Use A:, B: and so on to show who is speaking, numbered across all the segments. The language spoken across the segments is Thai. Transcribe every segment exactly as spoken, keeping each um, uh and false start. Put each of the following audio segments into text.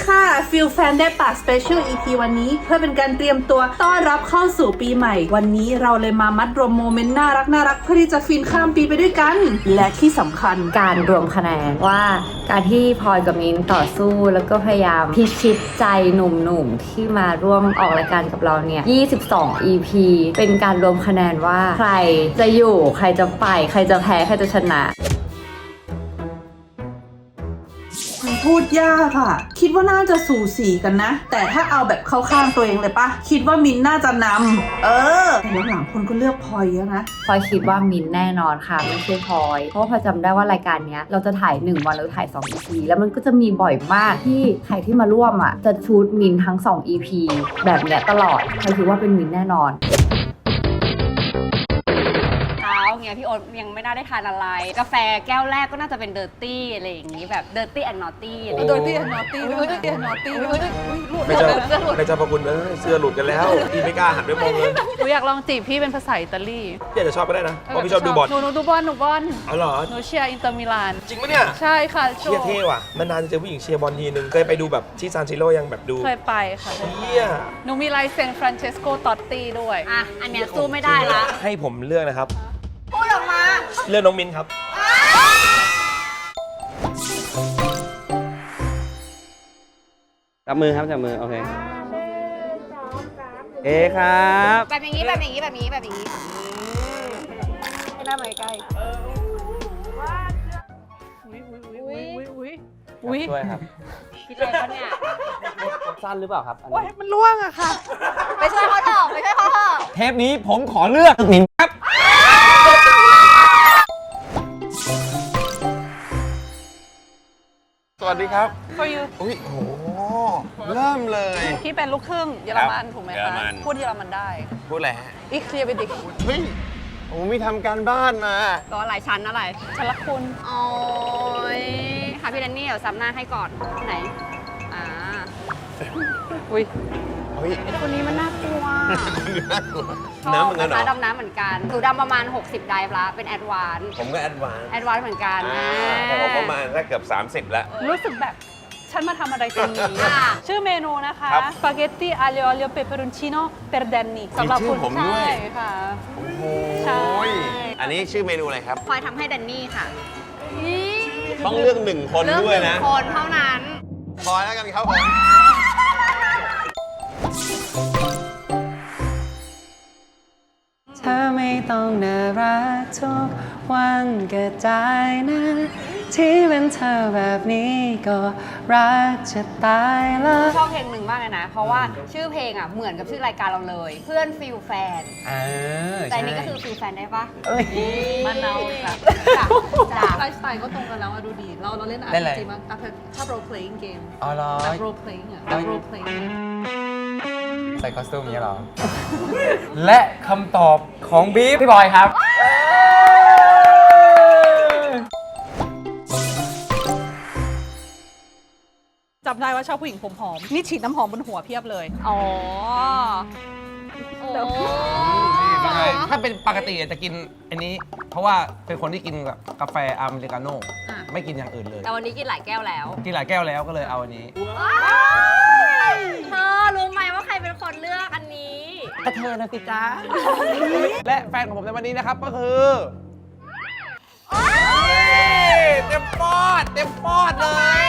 A: ค่ะฟิลแฟนได้ป่ะ Special อี พี วันนี้เพื่อเป็นการเตรียมตัวต้อนรับเข้าสู่ปีใหม่วันนี้เราเลยมามัดรวมโมเมนต์น่ารักน่ารักเพื่อที่จะฟินข้ามปีไปด้วยกันและที่สำคัญ
B: การรวมคะแนนว่าการที่พลอยกับมิ้นต่อสู้แล้วก็พยายามพิชิตใจหนุ่มๆที่มาร่วมออกรายการกับเราเนี่ยยี่สิบสอง อี พี เป็นการรวมคะแนนว่าใครจะอยู่ใครจะไปใครจะแพ้ใครจะชนะ
A: พูดยากค่ะคิดว่าน่าจะสูสีกันนะแต่ถ้าเอาแบบเข้าข้างตัวเองเลยปะคิดว่ามินน่าจะนำเออแต่หลังๆคนก็เลือกพลอยเยอะนะ
B: พลอยคิดว่ามินแน่นอนค่ะไม่ใช่พลอยเพราะว่าพลอยจำได้ว่ารายการนี้เราจะถ่ายหนึ่งวันแล้วถ่ายสอง อี พี แล้วมันก็จะมีบ่อยมากที่ใครที่มาร่วมอ่ะจะชูดมินทั้งสอง อี พี แบบเนี้ยตลอดพลอยคิดว่าเป็นมินแน่นอน
C: เงี้ยพี่โอ๊ตยังไม่น่าได้ทานอะไรกาแฟแก้วแรกก็น่าจะเป็นเดอร์ตี้อะไรอย่างงี้แบบเดอร์ตี้แอนด์นอตตี้อะไร
A: เดอร์ตี้แอนด์นอตตี้เดอร์ตี้แอนด์นอตตี้
D: ไม่จะไม่จะพอคุณเอ้ยเสื้อหลุดกันแล้วพี่ไม่กล้าหันไปมองเลย
E: หนูอยากลองจีบพี่เป็นภาษาอิตาลี
D: พี่อาจจะชอบก็ได้นะเพราะพี่ชอบดูบอล
E: หนูหนูดูบอลหนูบอล
D: อ๋อเหรอ
E: หนูเชียร์อินเตอร์มิลาน
D: จริงปะเนี่ย
E: ใช่ค่ะ
D: เชียร์เท่ว่ะนานๆจะเจอผู้หญิงเชียร์บอลทีนึงเคยไปดูแบบที่ซานซิโร่ยังแบบดู
E: เคยไปค่ะ
D: เฮีย
E: หนูมีลายเซ็นฟรานเชสโกตอตตี้ด้วย
C: อ่ะอันเนี้ยสู้ไม่ได้ละ
D: ให้ผมเลือกนะครับ
C: พูดออกมา
D: เลือกน้องมินครับ
F: จับมือครับจับมือโอเคเอ๊ครับ
C: แบบอย่างนี้แบบอย่างนี้แบบนี้แบบอย่างนี้หน้ามาใกล้
E: อุ้ยอุ้ยอุ้ยอุ้ยอุ้ย
F: ช่วยครับ
C: คิดอะไรเขาเนี่ย
F: สั้นหรือเปล่าครับ
E: โอ้ยมันล่วงอะค่ะ
C: ไปช่วยเขาเถอะไปช่วยเขาเถอะ
F: เทปนี้ผมขอเลือกหนิงครับ
D: สวัสดีครับ
E: For you
D: อุ้ยโหเริ่มเลย
E: พี่เป็นลูกครึ่งเยอรมันถูกไหมคะพูดเยอรมันได้
D: พูดอะไรฮะ
E: อีกเคลียร์ไปดิ
D: เฮ้ยผมมีทำการบ้านมา
C: ตัวอะไรชั้นอะไร
E: ชั้นละคุณ
C: โอ้ยค่ะพี่แดนนี่เดี๋ยวซ้ำหน้าให้ก่อนไหนอ่า
E: อุ้ย
C: คนนี้มันน่ากลัว
D: น้ำเหมือนกันเหรอ
C: ดำน้ำเหมือนกันหนูดำประมาณหกสิบไดฟ์ละเป็นแอดวานซ์
D: ผมก็แอดวานซ์
C: แอดวานซ์เหมือนกัน
D: แต่ผมประมาณเกือบสามสิบแล้ว
E: รู้สึกแบบฉันมาทำอะไรตรงนี้ชื่อเมนูนะคะสปาเกตตี้อาลิโอลิโอเปเปอรุนชิโน่เปอร์เดนนี่
D: สำหรับคุณผมด้วย
E: ค่ะ
D: โอ้โหอันนี้ชื่อเมนูอะไรครับ
C: พลอยทำให้แดนนี่ค่ะ
D: ต้องเลือกหนึ่งคนด้วยนะ
C: คนเท่านั้น
D: พลอยแล้วกันครับผม
G: เธอไม่ต้องน่ารักทุกวันก็ได้นะที่เป็นเธอแบบนี้ก็รักจะตายแล้ว
C: ชอบเพลงหนึ่งมากเลยนะเพราะว่าชื่อเพลงอ่ะเหมือนกับชื่อรายการเราเลยเพื่อนฟิลแฟนแต่นี้ก็คือฟิลแฟนได้ปะ
E: มันเอาค่ะไลฟ์สไตล์ก็ตรงกันแล้วดูดีเราเราเล่นอาร์พีจีมากชอบ role playing game
F: อ๋อเหรอ
E: role playing อ่ะ role playing
F: ใส่คอสตูมนี้เหรอ และคำตอบของบีฟพี่บอยครับ
E: จำได้ว่าชอบผู้หญิงผมหอมนี่ฉีดน้ำหอมบนหัวเพียบเลย
C: อ๋อ
F: ถ้าเป็นปกติจะกินอันนี้เพราะว่าเป็นคนที่กินกับกาแฟอเมริกาโน่ไม่กินอย่างอื่นเลย
C: แต่วันนี้กินหลายแก้วแล้ว
F: กินหลายแก้วแล้วก็เลยเอาอันนี้
C: เธอรู้ไหมว่าใครเป็นคนเลือกอันนี้
F: ก็เธอนะสิจ้าและแฟนของผมในวันนี้นะครับก็คือเต็มปอดเต็มปอดเลย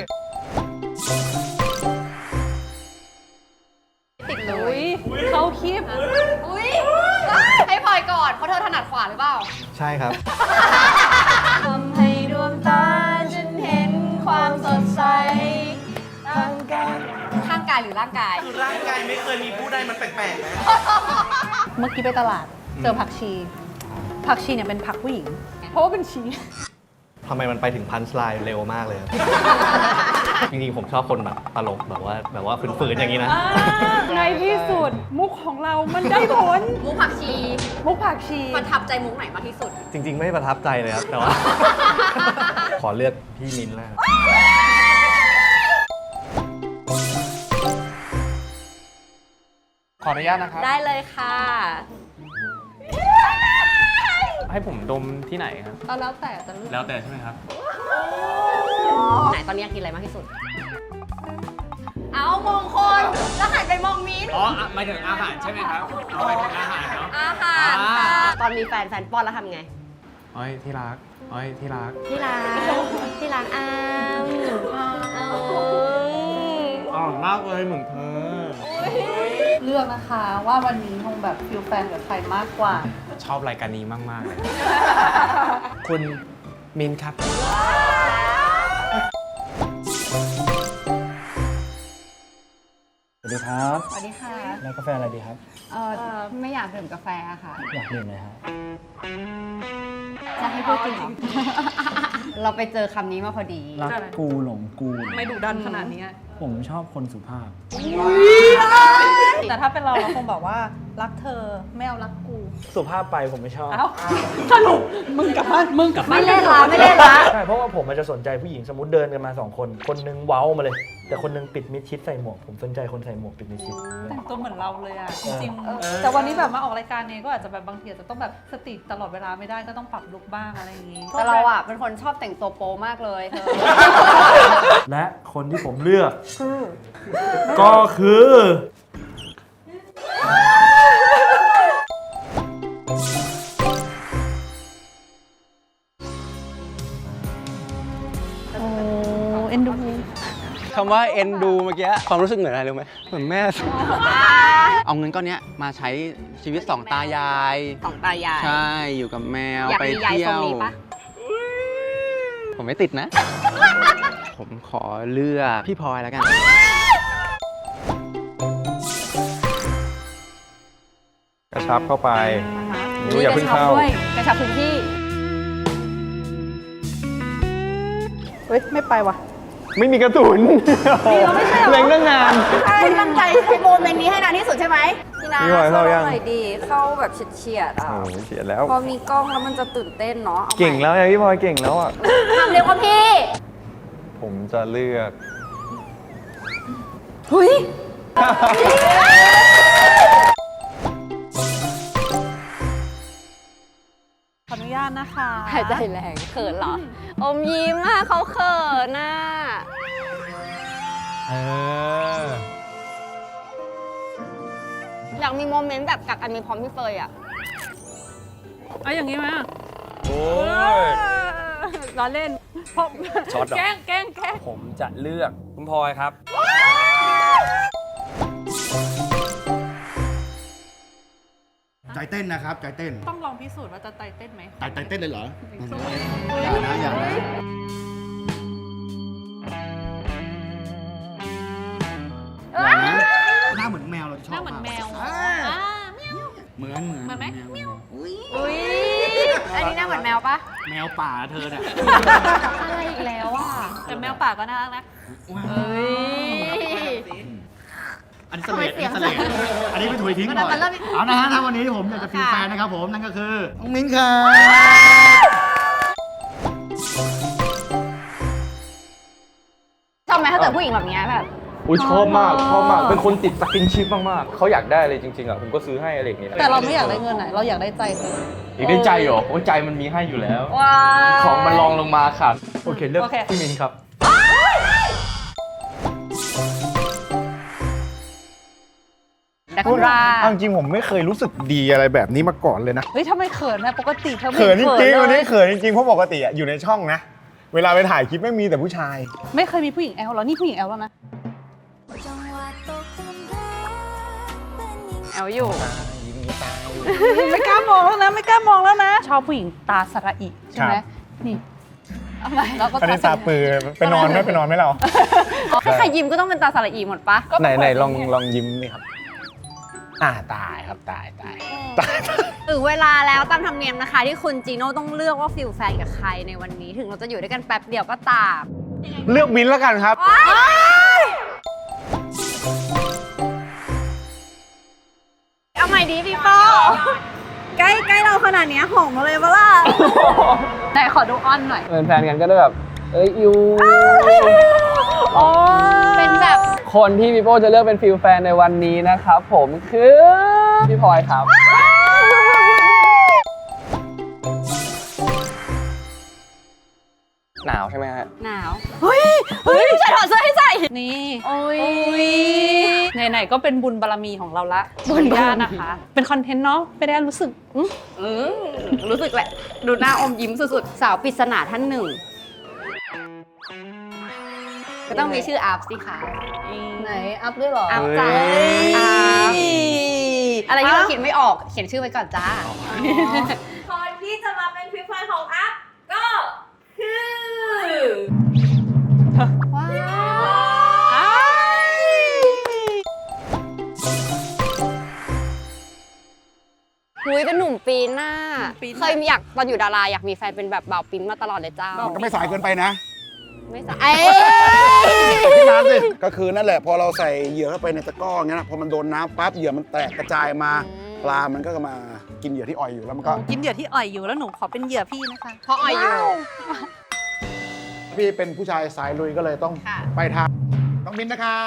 C: ติดเล
E: ยเขาคลิป
C: อุ้ยให้พลอยก่อนเพราะเธอถนัดขวาหรือเปล่า
F: ใช่ครับ
C: ทำให้ดวงตาฉันเห็นความสดใสร่างกายข้างกายหรือร่างกาย
D: คือร่างกายไม่เคยมีผู้ใดมันแปลกๆนะ
E: เมื่อกี้ไปตลาดเจอผักชีผักชีเนี่ยเป็นผักผู้หญิงเพราะว่าเป็นชี
H: ทำไมมันไปถึงพันสไลด์เร็วมากเลยจริงๆผมชอบคนแบบตลกแบบว่าแบบว่าฝืนๆอย่างนี้นะ
E: ในที่สุดมุกของเรามันได้ผล
C: มุกผักชี
E: มุกผักชี
C: ประทับใจมุกไหนมากที่สุด
H: จริงๆไม่ประทับใจเลยครับแต่ว่าขอเลือกพี่มิ้นแล้ว
F: ขออนุญาตนะครับ
C: ได้เลยค่ะ
F: ให้ผมดมที่ไหนครับ
E: แล้วแต่จะเลือก
F: แล้วแต่ใช่ไหมครับ
C: ไหนตอนนี้กินอะไรมากที่สุดมองคน แล้วหันไปมองมิ้น
I: อ๋อหมายถึงอาหารใช่ไหมครับเอาไปถึงอาหารเนาะ
C: อาหารค่ะตอนมีแฟนแฟนป้อนแล้วทำไง
I: อ้อยที่รักอ้อยที่รัก
C: ที่ร้านที่ร้านอ้าม
I: อ๋อมากเลยเหมือนเธอ
E: เลือกนะคะว่าวันนี้คงแบบฟิลแฟนกับใครมากกว่า
I: ชอบรายการนี้มาก ๆ เลย คุณมินครับ
J: สวัสดีครับ
C: สวัสดีค่ะ
J: แล้วกาแฟอะไรดีครับ
C: เออไม่อยากดื่มกาแฟอะค่ะ
J: อยากดื่มเลยครับ
C: จะให้พูดจริงเหรอ เราไปเจอคำนี้มาพอดี
J: รักกูหลงกู
E: ไม่ดุดันขนาดนี้
J: ผมชอบคนสุภาพ
E: แต่ถ้าเป็นเราเราคงบอกว่ารักเธอไม่เอารักกู
J: สุภาพไปผมไม่ชอบ
E: เอ้าสรุปมึงกับบ้านมึงกับบ้าน
C: ไม่เล่นละไม่เล่นละ
J: ใช่ เพราะว่าผมมันจะสนใจผู้หญิงสมมติเดินกันมาสองคน คนนึงเว้ามาเลย แต่คนนึงปิดมิดชิดใส่หมวก ผมสนใจคนใส่หมวกปิดมิดชิด
E: แต่งตัวเหมือนเราเลยอ่ะ จริงๆ แต่วันนี้แบบมาออกรายการเนี้ก็อาจจะแบบบางทีอาจจะต้องแบบสติตลอดเวลาไม่ได้ก็ต้องปรับลุคบ้างอะไรอย่างงี้
C: แต่เราอะเป็นคนชอบแต่งตัวโป๊มากเลยเธอ
J: และคนที่ผมเลือก ก็คือ
E: โอ้เอ็นดู
I: คำว่าเอ็นดูเมื่อกี้ความรู้สึกเหมือนอะไรรู้ไหมเหมือนแม่ เอาเงินก้อนเนี้ยมาใช้ชีวิตสองตายาย
C: สองตายาย
I: ใช่อยู่กับแมว
C: อยาก
I: ไป
C: มียาย
I: เที่
C: ท
I: ย
C: รง
I: ว
C: นี้ปะ
I: ผมไม่ติดนะ ผมขอเลือกพี่พลอยแล้วกัน
D: กระชับเข้าไปนิ้วอย่าเพิ่งเข้า
C: ด้วยกระชับพื้นที่
E: เฮ้ย ไม่ไปว่ะ
I: ไม่มีกระสุนเล็งตั้งนาน
C: คุณตั้งใจใช้โมเมนต์นี้ให้นานที่สุดใช่ไหมพี่นา
D: พี่บอยเข้ายัง
B: หน่อยดีเข้าแบบเฉียดๆอ่ะ
D: โอ้ยเสียแล้ว
B: พอมีกล้องแล้วมันจะตื่นเต้นเนาะอาใหม่
D: เก่งแล้วไงพี่พลอยเก่งแล้วอ่ะ
C: ทำเร็วกว่าพี่
D: ผมจะเลือก
B: เฮ้ย
E: ขออนุญาตนะคะ
C: หายใจแรงเขินเหรอ อมยิ้มอ่ะเขาเขินน่ะ
I: เออ
C: อยากมีโมเมนต์แบบกักอันมีพร้อมพี่เฟยอ่ะ
E: เอาอย่างนี้ไหม
D: โอ้ย
E: ล้อเล่นเพราะ
D: ช็อตเหรอ
E: แกล้งแกล้งแกล้ง
I: ผมจะเลือกคุณพลอยครับ
K: ใจเต้นนะครับ ใจเต้น
E: ต้องลองพิสูจน์ว่าจะไตเต้นไหม
K: ใจใจเต้นเลยเหรอ อย่านะ อย่านะ อย่านะ หน้าเหมือนแมวเราชอบ
E: หน้าเหมือนแมว
K: อ่า
E: อ่า
K: เหมือนเหมือน
E: เหมือนไหม
K: แมวอุ้ย
C: อุ้ย อันนี้หน่าเหมือนแมวปะ
K: แมวป่าเธอเนี่ย
C: อะไรอีกแล้วอ่ะ
E: แต่แมวป่าก็น่ารักนะ
C: เฮ้ย
K: อันนี้เสลดอันนี้เสลดอันนี้ไปถุยทิ้งก่อน
C: มันเริ่ม
K: เอานะฮะถ้าวันนี้ผมอยากจะฟีลแฟนนะครับผม นั่นก็คือน้องมิ้นครับ
C: ชอบไหมถ้าเกิดผู้หญิงแบบเนี้ยแบบ
D: อุ้ยชอบมากชอบมาก เป็นคนติดสกินชิปมากๆเขาอยากได้อะไรจริงๆอ่ะผมก็ซื้อให้อะไรอย่างเงี้ย
E: แต่เราไม่อยากได้เงินไหนเราอยากได้ใจเธอ
D: อีกได้ใจเหรอโอ้ยใจมันมีให้อยู่แล้ว
C: ว้า
D: ของมันรองลงมาค่ะ
J: โอเค เลือก
E: โอเค
J: พี่มินครับ
C: ดักรา
K: เอาจริงผมไม่เคยรู้สึกดีอะไรแบบนี้มาก่อนเลยนะ
E: เฮ้ยทำไมเขินนะปกติเธอไม่
K: เขินจริงๆวัน
E: เล
K: นี้
E: ย
K: เขินจริงๆเพราะปกติอะอยู่ในช่องนะ เวลาไปถ่ายคลิปไม่มีแต่ผู้ชาย
E: ไม่เคยมีผู้หญิงแอลหรอนี่ผู้หญิงแอลแล้วนะ
C: แอลอยู่
E: ไม่กล้ามองแล้วนะไม่กล้ามองแล้วนะ ชอบผู้หญิงตาสระอิใช่ไหม
K: ครับ
E: นี่เอาไหมเราก็
K: อันนี้
E: ส
K: ตา
E: ระอิ
K: ปือไปนอนไหมไปนอนไหมเรา
C: ถ้าใครยิ้มก็ต้องเป็นตาสระอีหมดปะ
K: ไหนไหนลองลองยิ้มนี่ครับ อ่าตายครับตายตายตาย
C: ถึงเวลาแล้วตามธรรมเนียมนะคะ ที่คุณจีโน่ต้องเลือกว่าฟิลแฟนกับใครในวันนี้ ถึงเราจะอยู่ด้วยกันแป๊บเดียวก็ตาม
K: เลือกมิ้นท์แล้วกันครับ
C: เอาใหม่ดีพี่ป้อใกล้ใกล้เราขนาดนี้หอมมาเลยปะล่ะ
E: ไหนขอดูอ้อนหน่อย
I: เป็นแฟนกันก็ได้แบบ เอ้ยยู
C: เป็นแบบ
I: คนที่พี่โป้จะเลือกเป็นฟิลแฟนในวันนี้นะครับผมคือพี่พลอยครับ หนาวใช่ไหมฮะ
C: หนาว เฮ้ย เฮ้ยใส่ถอดเสื้อให้ใส่
E: นี่
C: โอ้ย
E: ไหนๆก็เป็นบุญบารมีของเราละขออนุญาตนะคะ เป็นคอนเทนต์เนาะไม่ได้รู้สึกอื้อ
C: อืมรู้สึกแหละ ดูหน้าอมยิ้มสุดๆ สาวปริศนาท่านหนึ่ง ก็ต้องมีชื่ออัพสิคะ
E: ไหนอัพด้วยหรอ
C: อัพจ้าอัพอะไรที่เราคิดไม่ออกเขียนชื่อไว้ก่อนจ้า
L: คนที่จะมาเป็นพิพายของอัพก็คือ
C: ว้าวหุยเป็นหนุ่มปีนน่ะเคยอยากตอนอยู่ดาราอยากมีแฟนเป็นแบบบ่าวปิ้นมาตลอดเลยจ้า
M: มันก็ไม่สายเกินไปนะ
C: ไม่สายเอ้
M: พี่น้ำสิก็คือนั่นแหละพอเราใส่เหยื่อเข้าไปในตะกร้ออย่างเงี้ยนะพอมันโดนน้ำปั๊บเหยื่อมันแตกกระจายมาปลามันก็มากินเหยื่อที่อ่อยอยู่แล้วมันก็
E: กินเหยื่อที่อ่อยอยู่แล้วหนูขอเป็นเหยื่อพี่นะคะ
C: เพราะอ่อยอยู่
M: พี่เป็นผู้ชายสายลุยก็เลยต้องไปทางน้องมิ้นนะคะ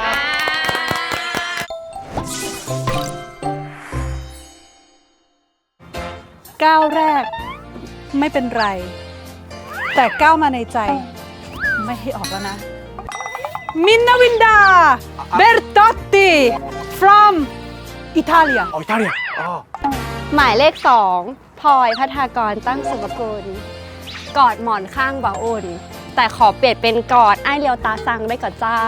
E: ก้าวแรกไม่เป็นไร แต่ก้าวมาในใจไม่ให้ออกแล้วนะ มินนาวินดาเบร์ตอตติ from อิตาเลีย
M: อ๋ออิตาเลียอ๋อ
C: หมายเลขสองพลอยพัฒากรตั้งสุภกุลกอดหมอนข้างบ่าอุ่น แต่ขอเปลี่ยนเป็นกอดไอ้เลียวตาซังได้ก่อนเจ้า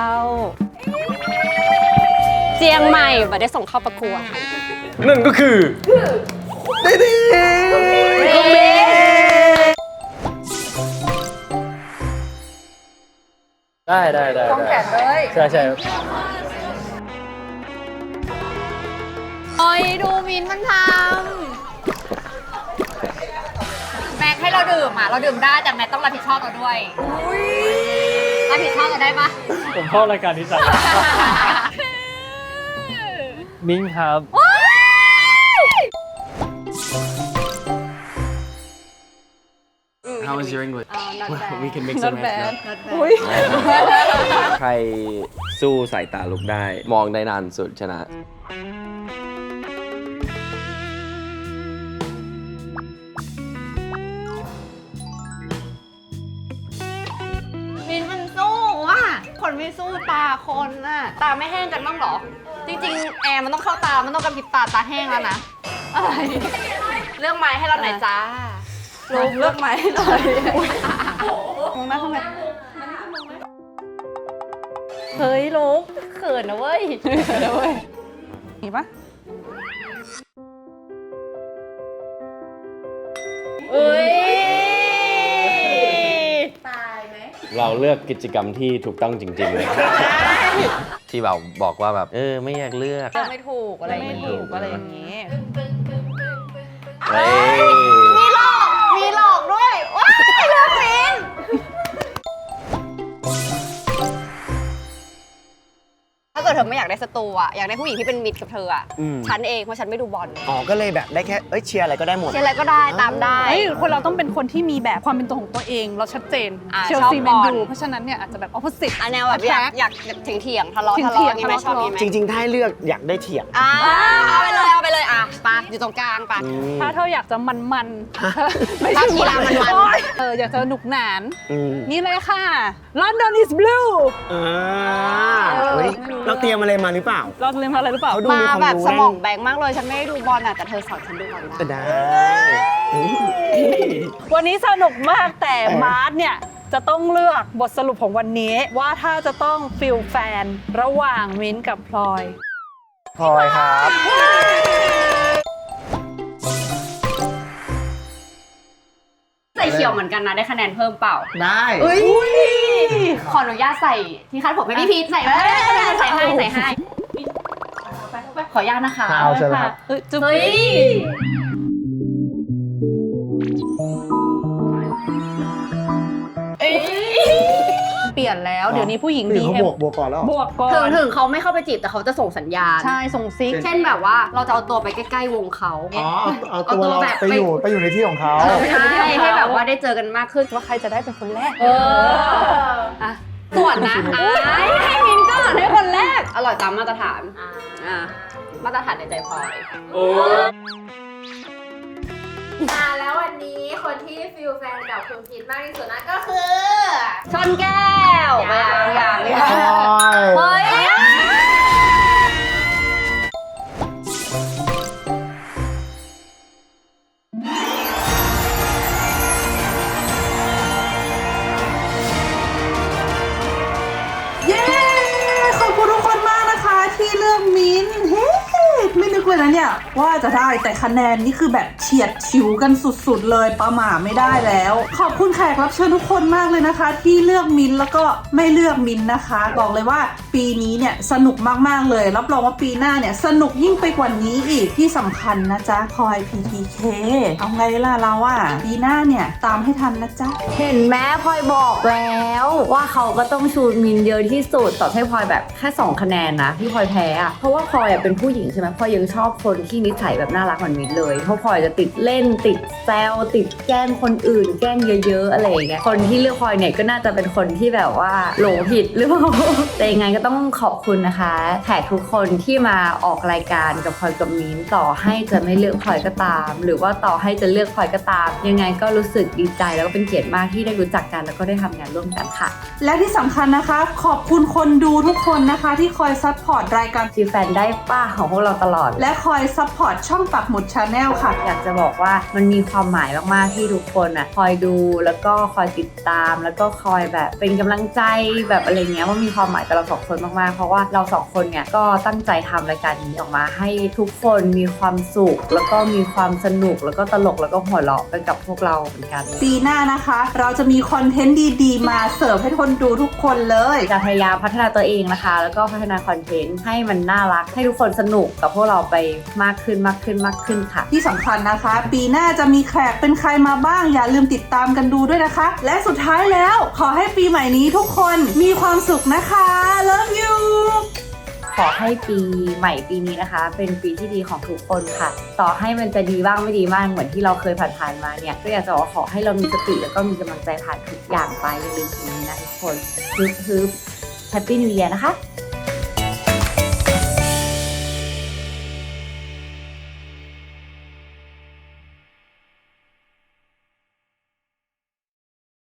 C: เจียงใหม่มาได้ส่งเข้าประกวด
D: นั่นก็คือดีดีได้ได้ได้
E: ต้องแขนเลย
D: ใช่ใช่
C: โอ้ยดูมินมันทำแม็กให้เราดื่มอ่ะ เราดื่มได้แต่แม็กต้องรับผิดชอบเราด้วยรับผิดชอบเราได้ปะ
N: ผมชอบรายการนี้จัง มิ้งครับ
I: How is your English? We can mix
E: Not
I: and match
E: bad.
I: now.
E: Not bad. อุ๊ย
O: ใครสู้สายตาลุกได้ มองได้นานสุดชนะ
C: มินมันสู้ว่ะคนไม่สู้ตาคนน่ะ ตาไม่แห้งกันบ้างเหรอ จริงๆ แอร์มันต้องเข้าตา มันต้องกระพริบตาตาแห้งแล้วนะ อะไร เลือกไม้ให้เราหน่อยจ้าลงเลือกไม้ให้หน่อย
E: มองหน้าทำไม
C: เฮ้ยลูกเขินนะเว้ย
E: เดี๋ยวเว้ยเห็นปะ
C: เอ้ย
L: ตายไหม
O: เราเลือกกิจกรรมที่ถูกต้องจริง ๆ เลย ที่แบบบอกว่าแบบ เออ ไม่อยากเลือก
C: เลือกไม่ถูกอะไร
E: ไม่ถูกอะไรอย่างงี้
O: เฮ้ย
C: มีหลอก มีหลอกด้วย ว้ายเลือกมิน ถ้าเกิดเธอไม่อยากได้ศัตรูอ่ะ อยากได้ผู้หญิงที่เป็นมิตรกับเธออ่ะ
K: อืม
C: ฉันเองเพราะฉันไม่ดูบอล
K: อ๋อ ก็เลยแบบได้แค่ เอ้ย เชียร์อะไรก็ได้หมด
C: เชียร์อะไรก็ได้ตามได้
E: เฮ้ยคนเราต้องเป็นคนที่มีแบบความเป็นตัวของตัวเองเราชัดเจน
C: อ่า
E: เชลซี
C: ช
E: แม
C: อบ
E: น
C: บอล
E: ยูเพราะฉะนั้นเนี่ยอาจจะแบบ opposite
C: อันแนวแบบอยากอยากเถียงเถียงๆทะเลาะทะเลาะอย่างงี้ไหมชอบอย่างงี้ไหม
K: จริง ๆ ถ้าให้เลือกอยากได้เถียง
C: อ่าเอาไปเลยเอาไปเลยอ่ะไปะอยู่ตรงกลางไปะ
E: ถ้าเธออยากจะมันๆ
C: ถ้ากีฬามันๆ
E: โอ๊ยเอออยากจะหนุกหนาน
K: อืม
E: นี่เลยค่ะ London is blue
K: อ่าเฮ้ยเราเตรียมอะไรมาหรือเปล่า
E: เราเรียนมาอะไรหรือเปล่า
K: เขาดู
C: มา
K: มีความ
C: แบบ
K: รู้
C: สมอง
K: แน่น
C: แบงค์มากเลย ฉันไม่ได้ดูบอลอ่ะแต่เธอสอนฉันดูบอลได้
K: ก็ได้
E: วันนี้สนุกมากแต่มาร์ทเนี่ย จะต้องเลือกบทสรุปของวันนี้ ว่าถ้าจะต้องฟิลแฟนระหว่างมิ้นท์กับพลอย
J: พลอยครับ
C: ใส่เขียวเหมือนกันนะ ได้คะแนนเพิ่มเปล่า
K: ได้
C: เอ้ยขออนุญาตใส่ที่คาดผมให้พี่พีทใส่ไหมใส่ให้ใส่ให้ขออนุญาตนะคะ
J: เอาเชิญครับ
E: เฮ้ยจุ๊บ
C: เฮ้ย
E: เปลี่ยนแล้วเดี๋ยวนี้ผู้หญิง
J: ผู้หญิ
E: ดี
J: งเขา
E: เอ็ม
J: บวกบวกก่อนแล้ว
E: บวกก่อ
C: ถึง
E: น
C: ถึงเขาไม่เข้าไปจีบแต่เขาจะส่งสัญญาณ
E: ใช่ส่งซิก
C: เช่นแบบว่าเราจะเอาตัวไปใกล้ๆวงเขา
J: อ๋อ เอาเอาตัวเราไปอยู่ไปอยู่ในที่ของเขา
C: ใช่ให้แบบว่าได้เจอกันมากขึ้น
E: ว่าใครจะได้เป็นคนแรก
C: เอออ่ะส่วนนะอ่ะให้มินก่อนให้คนแรก อร่อยตามมาตรฐานอ่ามาตรฐานในใจพลอย
L: อ่าแล้ววันนี้คนที่ฟิลแฟนกับคุณพีทมากที่สุดนั่นก็คือ
C: ชนแก้ว
L: ยัง
C: ยัง
J: ใช่
C: เฮ้ย
A: ที่เลือกมิ้นท์เฮ้ไม่นึกเลยนะเนี่ยว่าจะได้แต่คะแนนนี่คือแบบเฉียดฉิวกันสุดๆเลยประหม่าไม่ได้แล้ว ขอบคุณแขกรับเชิญทุกคนมากเลยนะคะ ที่เลือกมิ้นท์แล้วก็ไม่เลือกมิ้นท์นะคะ บอกเลยว่าปีนี้เนี่ยสนุกมากๆเลยรับรองว่าปีหน้าเนี่ยสนุกยิ่งไปกว่านี้อีกที่สำคัญนะจ๊ะพลอย พี ที เค เอาไงล่ะเราอ่ะปีหน้าเนี่ยตามให้ทันนะจ๊ะ
B: เห็นไหมพลอยบอกแล้วว่าเขาก็ต้องชูมินเยอะที่สุดต่อให้พลอยแบบแค่สองคะแนนนะที่พลอยแพ้อะเพราะว่าพลอยอะเป็นผู้หญิงใช่ไหมพลอยยังชอบคนที่นิสัยแบบน่ารักเหมือนมินเลยเพราะพลอยจะติดเล่นติดแซวติดแกล้งคนอื่นแกล้งเยอะๆอะไรอย่างเงี้ยคนที่เลือกพลอยเนี่ยก็น่าจะเป็นคนที่แบบว่าหลงผิดหรือเปล่า แต่ยังไงก็ต้องขอบคุณนะคะแขกทุกคนที่มาออกรายการกับพลอยกับมินต่อให้จะไม่เลือกพลอยก็ตามหรือว่าต่อให้จะเลือกพลอยก็ตามยังไงก็รู้สึกดีใจแล้วก็เป็นเกียรติมากที่ได้รู้จักกันแล้วก็ได้ทำงานร่วมกันค่ะ
A: และที่สำคัญนะคะขอบคุณคนดูทุกคนนะคะที่คอยซัพพอร์ตรายการ
B: ฟีแฟนได้ป้าของพวกเราตลอด
A: และคอยซัพพอร์ตช่องปักหมุดชาแนลค่ะ
B: อยากจะบอกว่ามันมีความหมายมากๆที่ทุกคนอ่ะคอยดูแล้วก็คอยติดตามแล้วก็คอยแบบเป็นกำลังใจแบบอะไรเงี้ยว่ามีความหมายกับเราสองคนมากๆเพราะว่าเราสองคนเนี่ยก็ตั้งใจทำรายการนี้ออกมาให้ทุกคนมีความสุขแล้วก็มีความสนุกแล้วก็ตลกแล้วก็หัวเราะไปกับพวกเราเหมือนกัน
A: ปีหน้านะคะเราจะมีคอนเทนต์ดีๆมาเสิร์ฟให้คนดูทุกคนเลย
B: จะพยายามพัฒนาตัวเองนะคะแล้วก็พัฒนาคอนเทนต์ให้มันน่ารักให้ทุกคนสนุกกับพวกเราไปมากขึ้นมากขึ้นมากขึ้นค่ะ
A: ที่สำคัญนะคะ ปีหน้าจะมีแขกเป็นใครมาบ้างอย่าลืมติดตามกันดูด้วยนะคะ และสุดท้ายแล้วขอให้ปีใหม่นี้ทุกคนมีความสุขนะคะ Love you
B: ขอให้ปีใหม่ปีนี้นะคะเป็นปีที่ดีของทุกคนค่ะต่อให้มันจะดีบ้างไม่ดีบ้างเหมือนที่เราเคยผ่านๆมาเนี่ยก็อยากจะขอให้เรามีสติแล้วก็มีกำลังใจผ่านทุกอย่างไปอย่าลืมสิ่งนี้นะทุกคนฮึบฮึบแฮปปี้นิวเยียร์นะคะ